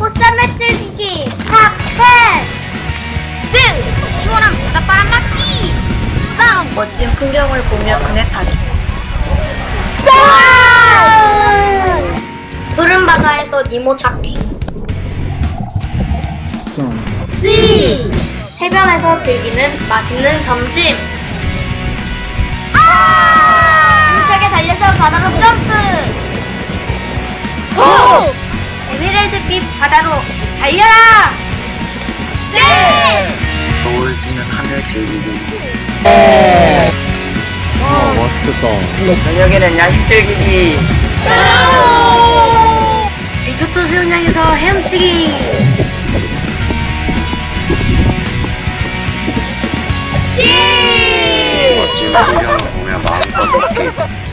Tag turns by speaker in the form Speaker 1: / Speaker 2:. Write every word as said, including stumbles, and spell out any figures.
Speaker 1: 꽃샘매 즐기기 탑텐.
Speaker 2: 네! 시원한 바닷바람 맞기! 다음! 멋진 풍경을 보며 그네 타기. 푸른 바다에서 니모 찾기.
Speaker 1: C.
Speaker 2: 해변에서 즐기는 맛있는 점심.
Speaker 1: 힘차게 달려서 바다로 점프.
Speaker 2: 오! 에메랄드빛 바다로 달려라!
Speaker 1: 네.
Speaker 3: 겨울 지는 하늘 즐기기.
Speaker 4: 아, 맛있겠다.
Speaker 3: 저녁에는 야식 즐기기.
Speaker 2: 리조트 수영장에서 헤엄치기.
Speaker 1: C.
Speaker 3: 멋진 풍경을 보며 마음껏 웃기.